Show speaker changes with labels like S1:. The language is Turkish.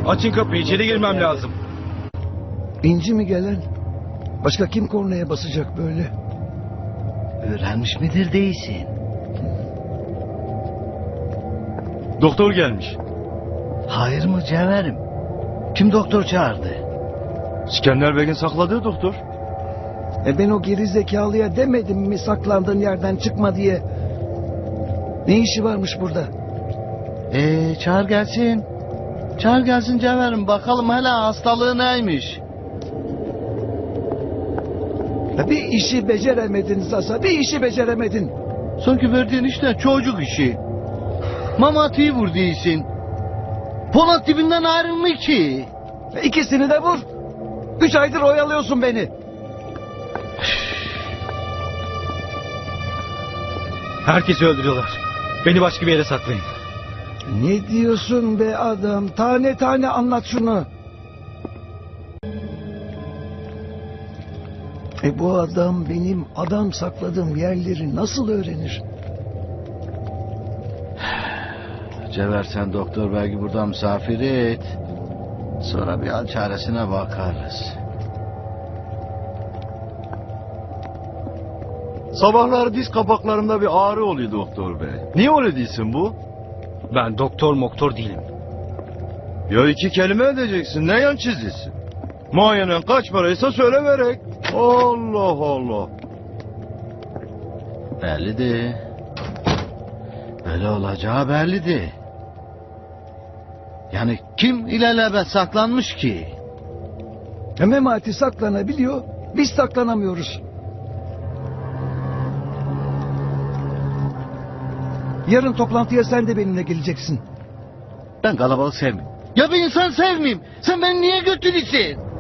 S1: Açın kapıyı, içeri girmem lazım.
S2: İnci mi gelen? Başka kim kornaya basacak böyle?
S3: Öğrenmiş midir değilsin?
S1: Doktor gelmiş.
S3: Hayır mı Cevherim? Kim doktor çağırdı?
S1: İskender Bey'in sakladığı doktor.
S2: Ben o geri zekalıya demedim mi saklandığın yerden çıkma diye? Ne işi varmış burada?
S3: Çağır gelsin. Çağır gelsin Cevherim. Bakalım hele hastalığı neymiş?
S2: Bir işi beceremedin Sasa, bir işi beceremedin.
S3: Sanki verdiğin işte çocuk işi. Mamati'yi vur değilsin. Polat dibinden ayrılmıyor ki.
S2: İkisini de vur. 3 aydır oyalıyorsun beni.
S1: Herkesi öldürüyorlar. Beni başka bir yere saklayın.
S2: Ne diyorsun be adam? Tane tane anlat şunu. Bu adam benim adam sakladığım yerleri nasıl öğrenir?
S3: Cevher sen doktor belki burada misafir et. Sonra bir hal çaresine bakarız.
S4: Sabahları diz kapaklarımda bir ağrı oluyor doktor bey. Niye öyle değilsin bu?
S1: Ben doktor değilim.
S4: Ya iki kelime edeceksin. Ne yan çiziyorsun? Muayenen kaç paraysa söyle verek. Allah Allah.
S3: Bellidir. Böyle olacağı bellidir. Yani kim ilelebet saklanmış ki?
S2: Memati saklanabiliyor, biz saklanamıyoruz. Yarın toplantıya sen de benimle geleceksin.
S3: Ben kalabalık sevmiyorum. Ya bir insan sevmeyeyim. Sen beni niye götürüyorsun?